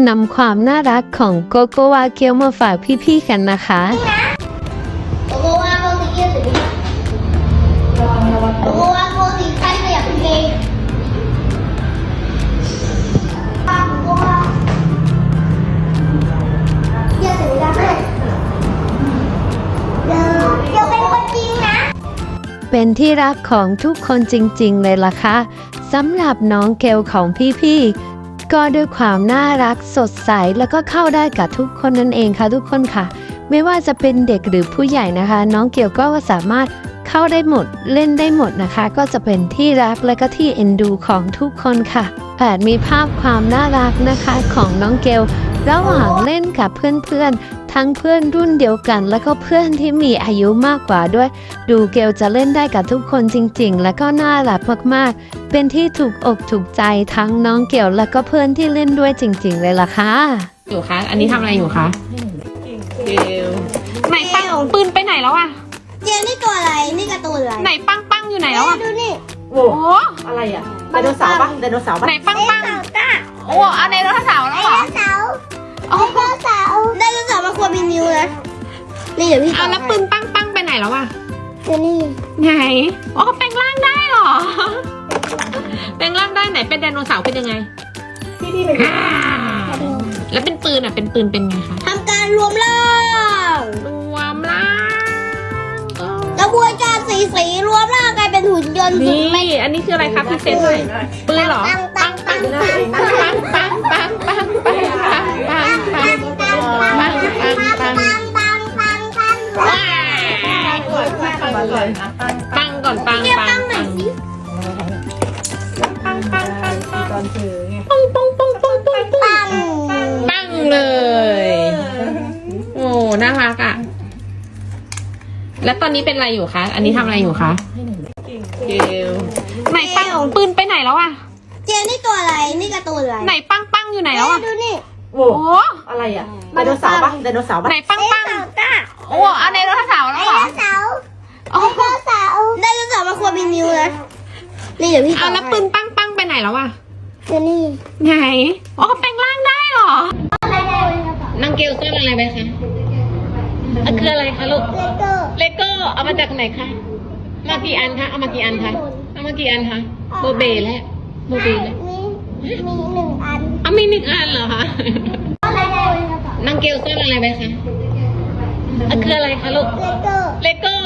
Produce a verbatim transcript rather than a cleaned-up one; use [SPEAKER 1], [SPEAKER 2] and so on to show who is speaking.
[SPEAKER 1] นำความน่ารักของโกโกวาเกียวมาฝากพี่ๆกันนะคะ
[SPEAKER 2] โกโกวาโกสีเขียวสีโกโกวาโกสีใครก็อยากเป็นเกย์โกโกวาเขียวสีดำเลยเดี๋ยวเดี๋ยวเป็นคนจริงนะ
[SPEAKER 1] เป็นที่รักของทุกคนจริงๆเลยล่ะค่ะสำหรับน้องเกลของพี่ๆก็ด้วยความน่ารักสดใสแล้วก็เข้าได้กับทุกคนนั่นเองค่ะทุกคนค่ะไม่ว่าจะเป็นเด็กหรือผู้ใหญ่นะคะน้องเกลก็สามารถเข้าได้หมดเล่นได้หมดนะคะก็จะเป็นที่รักและก็ที่เอ็นดูของทุกคนค่ะแผดมีภาพความน่ารักนะคะของน้องเกลระหว่างเล่นกับเพื่อนๆทั้งเพื่อนรุ่นเดียวกันแล้วก็เพื่อนที่มีอายุมากกว่าด้วยดูเกลจะเล่นได้กับทุกคนจริงๆแล้วก็น่ารักมากๆเป็นที่ถูกอกถูกใจทั้งน้องเกลแล้วก็เพื่อนที่เล่นด้วยจริงๆเลยล่ะค่ะ
[SPEAKER 3] อยู่คะอันนี้ทำอะไรอยู่คะเกลไหนปังของปืนไปไหนแล้วอะ
[SPEAKER 2] เจนนี่ตัวอะไรนี่การ์ตูนอะไร
[SPEAKER 3] ไหนปังปังอยู่ไหนแล้วอะ
[SPEAKER 2] ดูนี่
[SPEAKER 3] โอ้โห
[SPEAKER 4] อะไรอ่ะไดโนเสาร์ปะไดโนเสาร์ปะ
[SPEAKER 3] ไหนปังปัง
[SPEAKER 2] ไดโนเสาร์จ้า
[SPEAKER 3] โอ้เอาไดโนเสาร์แล้วเหรอ
[SPEAKER 2] ไดโนเสาร์ไดโนเสาร์ไดโนเสาร์มันควรมีนิ้วนะนี่เดี๋ยวพี่
[SPEAKER 3] เอาแล้วปืนปังปังไปไหนแล้วอะ
[SPEAKER 2] เจนนี่
[SPEAKER 3] ไหนอ๋อแปลงร่างได้เหรอแปลงร่างได้ไหนเป็นไดโนเสาร์เป็นยังไง
[SPEAKER 4] ที่พี่เป็น
[SPEAKER 3] อ่าแล้วเป็นปืนอะเป็นปืนเป็นไงคะ
[SPEAKER 2] ทำการรวมร่าง
[SPEAKER 3] รวมร่าง
[SPEAKER 2] กระบวนการสีสีรวมร่างกลายเป็นหุ่นยนต์สุด
[SPEAKER 3] นี่อันนี้คืออะไรครับพี่เซนหน่อยปืนเหรอ
[SPEAKER 2] ปังปังปังปัง
[SPEAKER 3] ปังปังปังปังปังปังปังปังปังปังปังปัง
[SPEAKER 2] ปังปังปังปัง
[SPEAKER 3] ว้ายปังก่อนปัง
[SPEAKER 2] เรียก
[SPEAKER 3] ปั
[SPEAKER 2] ปั
[SPEAKER 3] ง
[SPEAKER 2] งหน่
[SPEAKER 3] ปั
[SPEAKER 2] อย
[SPEAKER 3] ง
[SPEAKER 2] สิ
[SPEAKER 3] ปังปังปังปัง
[SPEAKER 4] ตอนถือไง
[SPEAKER 3] ปังปังปังปังปังปัง
[SPEAKER 2] ปัง
[SPEAKER 3] ปังเลยโอ้น่ารักอ่ะแล้วตอนนี้เป็นอะไรอยู่คะอันนี้ทำอะไรอยู่คะเกลไหนปังของปืนไปไหนแล้วอ่ะ
[SPEAKER 2] เจนนี่ตัวอะไรนี่การ์ตูนอะไร
[SPEAKER 3] ไหนปังปังอยู่ไหนแล้วอ่ะ
[SPEAKER 2] ดูนี่
[SPEAKER 4] โอ้
[SPEAKER 3] โอ้
[SPEAKER 4] อะไรอ่ะไดโนเสาร์ปะไดโนเสาร์ปะ
[SPEAKER 3] ไหนปังปัง
[SPEAKER 2] ไดโนเสาร์จ้า
[SPEAKER 3] โอ้เอาไดโนเสาร์แล้วเหรอ
[SPEAKER 2] ไดโนเสาร์ไดโนเสาร์ไดโนเสาร์มันควรมีนิ้วนะนี่เดี๋ยวพี่
[SPEAKER 3] เอาแล้วปืนปังปังไปไหนแล้วอ่ะ
[SPEAKER 2] เจนนี่
[SPEAKER 3] ไหนอ๋อแปลงร่างได้เหรอน้องเกลซ่อนอะไรไปคะอ่ะคืออะไรคะลูก
[SPEAKER 2] เลเกอร์
[SPEAKER 3] เลโก้เอามาจากไหนคะมากี่อันคะเอามากี่อันคะเอามากี่อันคะโบเบแล้วโบเบแล้ว
[SPEAKER 2] มีมีหนึ่งอัน
[SPEAKER 3] เอามีหนึ่งอันเหรอคะ
[SPEAKER 2] อะไรได้
[SPEAKER 3] น้องเกลซ่อนอะไรไปคะอ่ะคืออะไรคะลูก
[SPEAKER 2] เลเกอร์
[SPEAKER 3] เลโก้